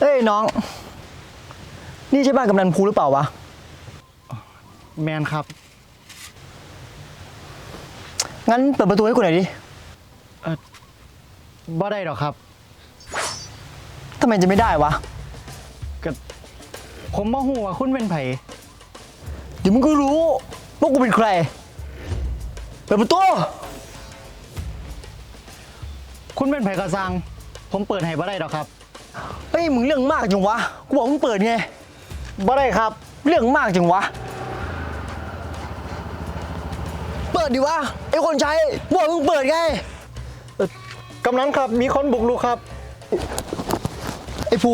ฮ้ยน้องนี่ใช่บ้านกำนันภูหรือเปล่าวะแมนครับงั้นเปิดประตูให้กูหน่อยดิบ่ได้หรอกครับทำไมจะไม่ได้วะก็ผมบ่ฮู้ว่าคุณเป็นไผเดี๋ยวมึงก็รู้ว่ากูเป็นใครเปิดประตูคุณเป็นไผกระซังผมเปิดให้บ่ได้หรอกครับเฮ้ยมึงเรื่องมากจังวะกูบอกมึงเปิดไงบ่ได้ครับเรื่องมากจังวะเปิดดิวะไอ้คนใช้บอกมึงเปิดไงกำนันครับมีคนบุกรุกครับไอ้ภู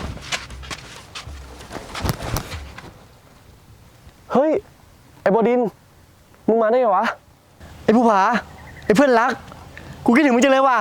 เฮ้ยไอ้บดินมึงมาได้ไงวะไอ้ภูผาไอ้เพื่อนรักกูคิดถึงมึงจังเลยว่ะ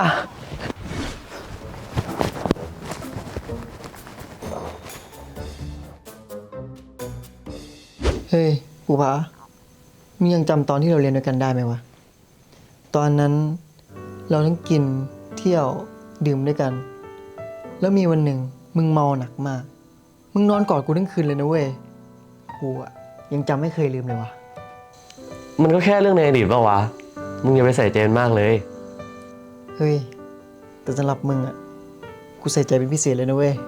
เฮ้ยภูผามึงยังจำตอนที่เราเรียนด้วยกันได้ไหมวะตอนนั้นเราทั้งกินเที่ยวดื่มด้วยกันแล้วมีวันหนึ่งมึงเมาหนักมากมึงนอนกอดกูทั้งคืนเลยนะเว้ยกูอะยังจำไม่เคยลืมเลยวะมันก็แค่เรื่องในอดีตป่าวะมึงอย่าไปใส่ใจมันมากเลยเฮ้ยแต่สำหรับมึงอะกูใส่ใจเป็นพิเศษเลยนะเว้ย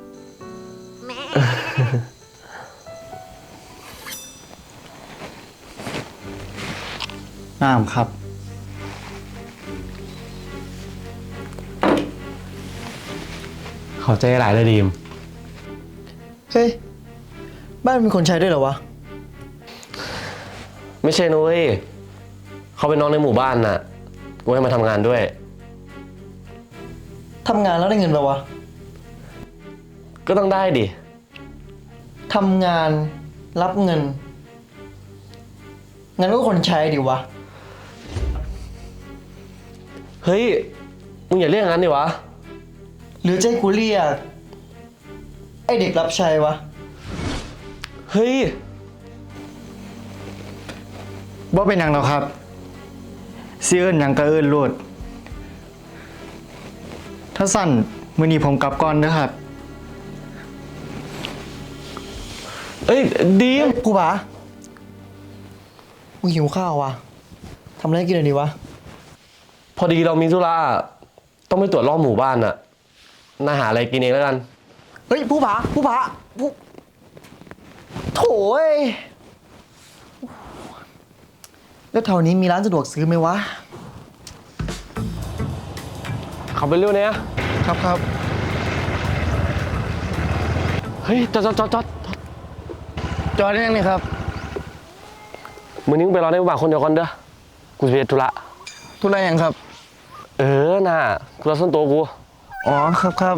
น้ำครับขอบใจหลายเลยดีมเฮ้ยบ้านมีคนใช้ด้วยเหรอวะไม่ใช่นุ้ยเขาเป็นน้องในหมู่บ้านน่ะกูให้มาทำงานด้วยทำงานแล้วได้เงินป่าวะก็ต้องได้ดิทำงานรับเงินงั้นก็คนใช้ดิวะเฮ้ยมึงอย่าเรียกงั้นดิวะหรือใจกูเรียกไอเด็กรับใช้วะเฮ้ยบ่เป็นหยังหรอกครับสิเอิ้นหยังก็เอิ้นโลดถ้าสั่นมื้อนี้ผมกลับก่อนเด้อครับเอ้ยดีมกูป๋ากูหิวข้าววะทำอะไรกินหน่อยดีวะพอดีเรามีธุระต้องไปตรวจรอบหมู่บ้านน่ะน่าหาอะไรกินเองแล้วกันเฮ้ยผู้ผาโถ่แล้วแถวนี้มีร้านสะดวกซื้อไหมวะขับไปเร็วเนี่ยครับเฮ้ยจอดได้ยังนี่ครับมึงนิ่งไปรอในหมู่บ้านคนเดียวก่อนเด้อกูจะไปธุระหยังครับน่ะธุระส่วนตัวกูอ๋อครับ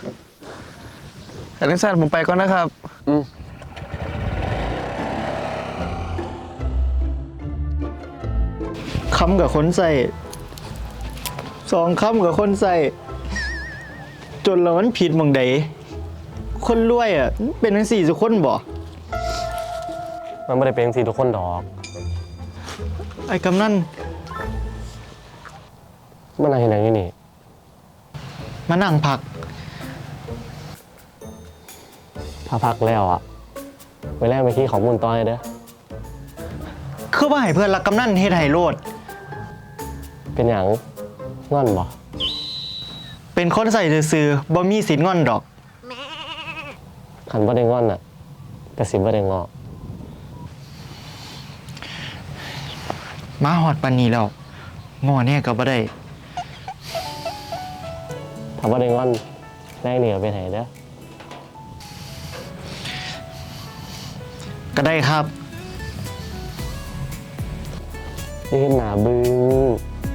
แต่สั้นผมไปก่อนนะครับคำกับคนใส่2 คำกับคนใส่จนเรามันผิดหม่องใดคนรวยอ่ะเป็นทั้ง4ทุกคนบ่มันไม่ได้เป็นสิทุกคนดอกไอ้กำนันมันอะไรอย่างนี้นี่มานั่งพักพาพักแล้วอ่ะไปแรกไปขี้ของมูลต้อยเด้อคือว่าให้เพื่อนรักกำนันเฮ็ดให้โลดเป็นอย่างง่อนบ่เป็นคนใส่ซื่อๆบ่มีสิทธิ์ง่อนดอกขันบ่ได้ง่อนอ่ะแต่สิบ่ได้งอมาฮอดปานนี้แล้วงอแน่ก็บ่ได้ถ้าบ่ได้ง่อนแรงเหนียวไปไหนเด้อก็ได้ครับนี่หนาบึ้ง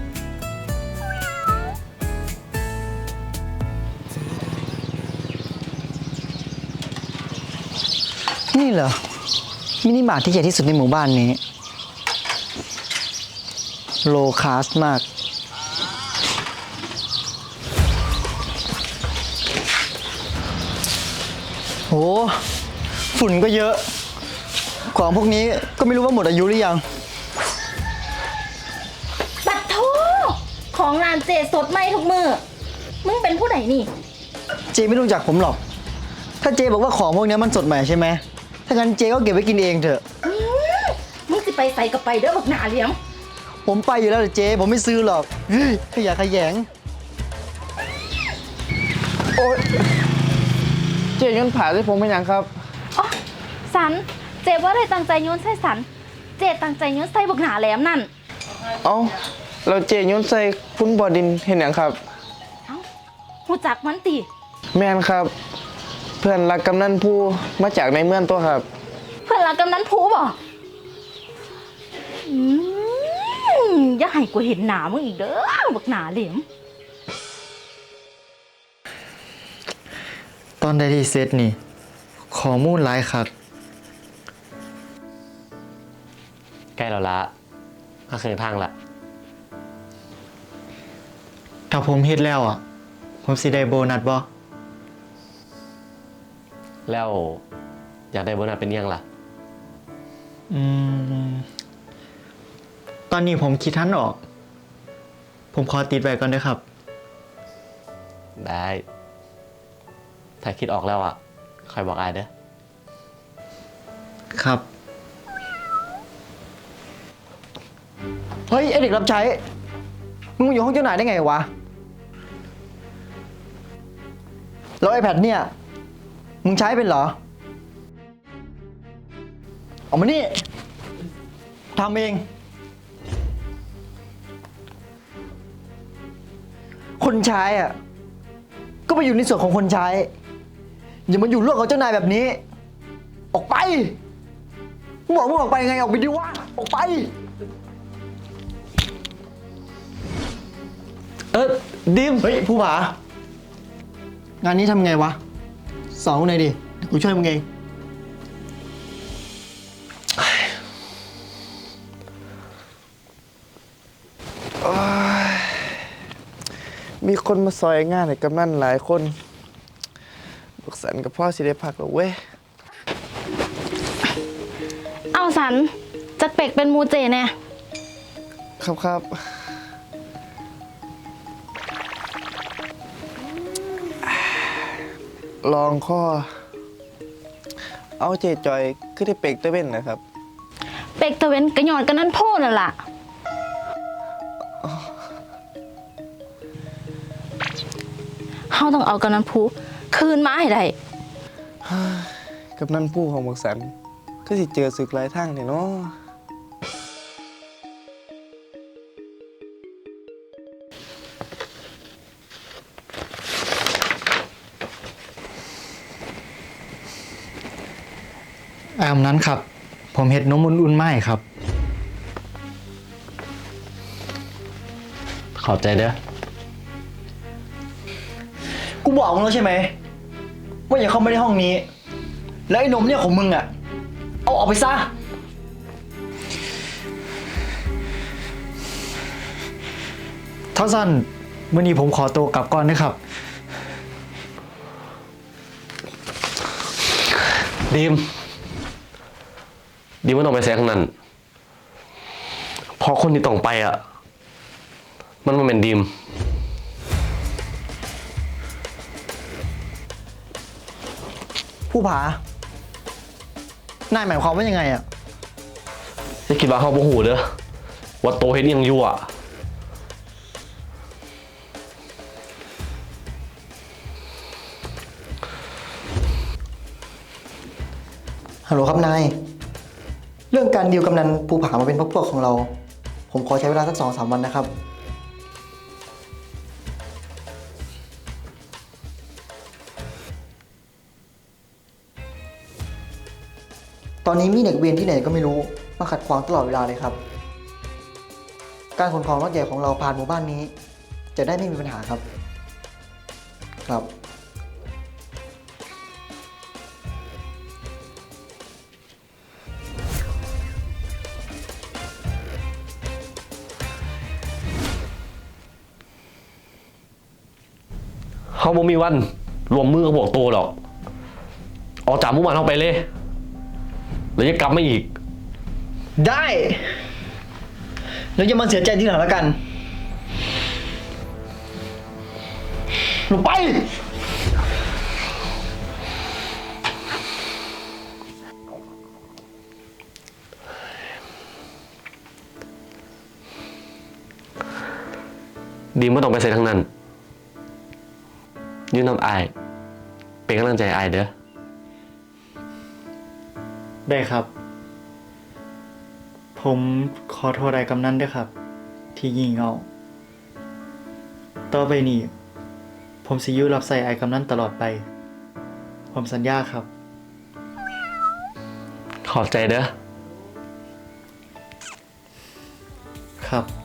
นี่เหรอมินิมาร์ทที่ใหญ่ที่สุดในหมู่บ้านนี้โลคาสมากโหฝุ่นก็เยอะของพวกนี้ก็ไม่รู้ว่าหมดอายุหรือยังปัดโทของร้านเจสดใหม่ทุกมือมึงเป็นผู้ใดนี่เจไม่รู้จักผมหรอกถ้าเจบอกว่าของพวกเนี้ยมันสดใหม่ใช่ไหมถ้างั้นเจก็เก็บไว้กินเองเถอะมึงสิไปใส่กับไปเด้อบักหนาเหลียงผมไปอยู่แล้วเจ๊ผมไม่ซื้อหรอกเฮ้ยขยะแขยงโอ๊ยเจ๊ย้อนผ่าใส่ผมเป็นหยังครับอ๋อสันเจ็บว่าได้ตั้งใจโยนใส่สัน เจ็ตั้งใจโยนใส่บักหนาแหลมนั่นเอ้าเราเจ๊ย้อนใส่คุณบอดินเห็นหยังครับเอ้าหูจักมันติแม่นครับ เพื่อนรักกำนันผู้มาจากในเมืองตัวครับเพื่อนรักกำนันผูบ่อย่าให้กูเห็นหนามึงอีกเด้อบักหนาเหลียมตอนใดที่เซตนี่ข้อมูลหลายคักใกล้แล้วละก็คือทางละถ้าผมเฮ็ดแล้วอ่ะ ผมสิได้โบนัสบ่แล้วอยากได้โบนัสเป็นยังล่ะตอนนี้ผมคิดทันออก ผมขอติดไว้ก่อนเด้อครับได้ ถ้าคิดออกแล้วอ่ะคอยบอกอายเด้อครับ เฮ้ย ไอเด็กรับใช้ มึงมาอยู่ห้องเจ้านายได้ไงวะ แล้วไอแพดเนี่ย มึงใช้เป็นเหรอ ออกมานี่ทำเอง คนใช้อ่ะ ก็ไปอยู่ในส่วนของคนใช้ อย่ามาอยู่ร่วมกับเจ้านายแบบนี้ ออกไปมึงบอกมึงออกไปยังไง ออกไปดิวะ ออกไปดิมเฮ้ยผู้ผา งานนี้ทำไงวะ สอนกูหน่อยดิเดี๋ยวกูช่วยมึงเองมีคนมาซอยงานให้กำนันหลายคนบักสันกับพ่อสิได้พักแล้วเว้ยเอาสันจักเป็กเป็นหมูเจแน่ครับครับ ลองข้อ เอาเจจอยขึ้นได้เป็กตะเว้นนะครับเป็กตะเวนกระหยอนกันนั่นโพ่นั่นล่ะเฮาต้องเอากันนั้นผูคืนมาให้ได้กับนั่นผู้ของบักสันก็สิเจอศึกหลายทางเนี่ยเนาะนั้นครับ ผมเห็ดนมอุ่นๆไม่ครับขอบใจเด้อกูบอกมึงแล้วใช่ไหม ว่าอย่าเข้ามาในห้องนี้ แล้วไอ้นมเนี่ยของมึงอ่ะ เอาออกไปซะ เท่าสั้นวันนี้ผมขอตัวกลับก่อนนะครับดิมไม่ต้องไปแซงนั่นเพราะคนที่ต้องไปอ่ะ มันมาเป็นดิมผู้ผา นายหมายความว่ายังไงอ่ะจะคิดว่าเขาโมโหเด้อว่าโตเห็นยังอยู่อ่ะฮัลโหลครับนาย เรื่องการดีลกำนันภูผามาเป็นพวกของเรา ผมขอใช้เวลาสัก2-3 วันนะครับ ตอนนี้มีเด็กเวรที่ไหนก็ไม่รู้มาขัดขวางตลอดเวลาเลยครับ การขนของรถใหญ่ของเราผ่านหมู่บ้านนี้ จะได้ไม่มีปัญหาครับ ครับเขาบ่มีวันรวมมือกับพวกโตหรอก ออกจากหมู่บ้านเขาไปเลย แล้วจะกลับมาอีกได้ แล้วอย่ามาเสียใจทีหลังแล้วกันลงไปดีมไม่ต้องไปใส่ทั้งนั้นยืนนำอาย เป็นกำลังใจอายเด้อได้ครับ ผมขอโทษไอ้กำนันด้วยครับ ที่งี่เง่าต่อไปนี้ ผมสิอยู่รับใส่ไอ้กำนันตลอดไป ผมสัญญาครับขอบใจเด้อครับ